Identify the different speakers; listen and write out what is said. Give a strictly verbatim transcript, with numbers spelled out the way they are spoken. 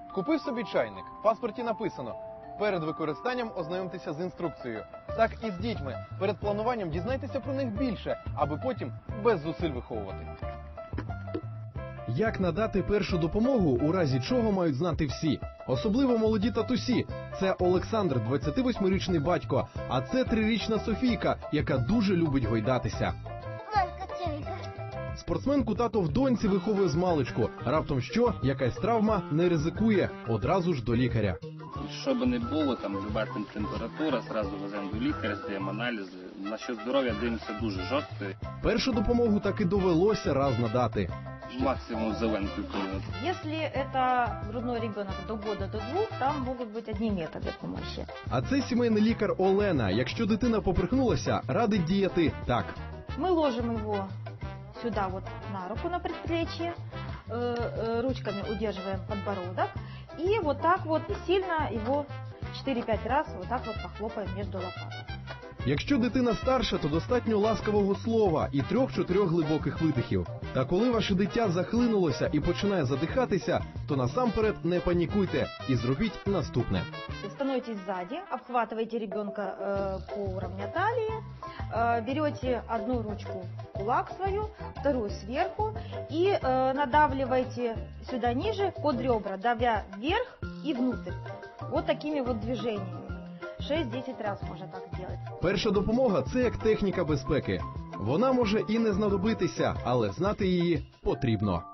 Speaker 1: Купив собі чайник, в паспорті написано: перед використанням ознайомтеся з інструкцією. Так і з дітьми. Перед плануванням дізнайтеся про них більше, аби потім без зусиль виховувати. Як надати першу допомогу, у разі чого мають знати всі? Особливо молоді татусі. Це Олександр, двадцятивосьмирічний батько, а це трирічна Софійка, яка дуже любить гойдатися. Спортсменку тато в доньці виховує змалечку. Раптом що, якась травма, не ризикує, одразу ж до лікаря.
Speaker 2: Що би не було, там люба температура, зразу веземо до лікаря, здаємо аналізи. На що здоров'я дивимося дуже жорстко.
Speaker 1: Першу допомогу таки довелося раз надати.
Speaker 2: Максимум зеленку кинути.
Speaker 3: Если это грудной ребенок до года, до двух, там могут быть одни методы помощи.
Speaker 1: А це сімейний лікар Олена. Якщо дитина поперхнулася, радить діяти так.
Speaker 3: Мы ложим его сюда вот на руку, на предплечье, э, э, ручками удерживаем подбородок и вот так вот сильно его четыре-пять раз вот так вот похлопаем между лопаток.
Speaker 1: Якщо дитина старша, то достатньо ласкавого слова і трьох-чотирьох глибоких видихів. Та коли ваше дитя захлинулося і починає задихатися, то насамперед не панікуйте і зробіть наступне.
Speaker 3: Становитесь сзади, обхватываете ребенка э, по уровню талии, э, берете одну ручку в кулак свою, вторую сверху и э, надавливаете сюда ниже под ребра, давя вверх и внутрь. Вот такими вот движениями. шесть-десять раз можно так сделать.
Speaker 1: Перша допомога – це як техніка безпеки. Вона може і не знадобитися, але знати її потрібно.